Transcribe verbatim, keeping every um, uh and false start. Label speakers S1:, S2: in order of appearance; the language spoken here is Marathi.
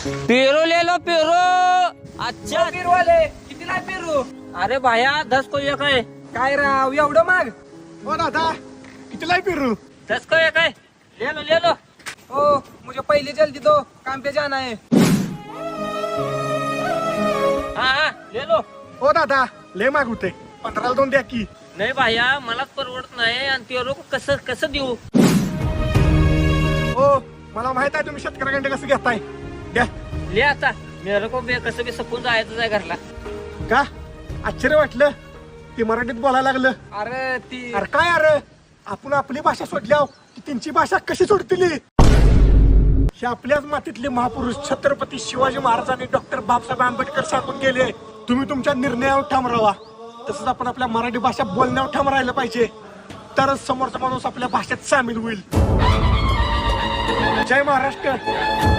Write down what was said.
S1: पेरू ले लो पेरू. अच्छा
S2: पेरू आले कितीला पेरू?
S1: अरे भाया दस को एक आहे.
S2: काय राव एवढं माग?
S3: हो दादा कितीला पेरू?
S1: दस को एक आहे. ले लो ले लो.
S2: हो मुझे पहिले जल्दी दो, काम पे जाना है.
S1: हा हा ले लो.
S3: हो दादा लय माग होते, पंधराला दोन द्या की.
S1: नाही भाया मलाच परवडत नाही आणि पेरू कसं कसं देऊ.
S3: हो मला माहित आहे तुम्ही शेतकऱ्याकडे कसं घेताय. द्या.
S1: ले आता मेरे को बे कसं बी सपून जायचं आहे घरला.
S3: का आश्चर्य वाटलं ते मराठीत बोलायला लागलं.
S2: अरे ती
S3: अरे काय अरे आपण आपली भाषा सोडल्या की त्यांची भाषा कशी सोडतील. हे आपल्याच मातीतले महापुरुष छत्रपती शिवाजी महाराजांनी डॉक्टर बाबासाहेब आंबेडकर सांगून गेले, तुम्ही तुमच्या निर्णयावर ठाम राहा. तसंच आपण आपल्या मराठी भाषा बोलण्यावर ठाम राहिलं पाहिजे, तरच समोरचा माणूस आपल्या भाषेत सामील होईल. जय महाराष्ट्र.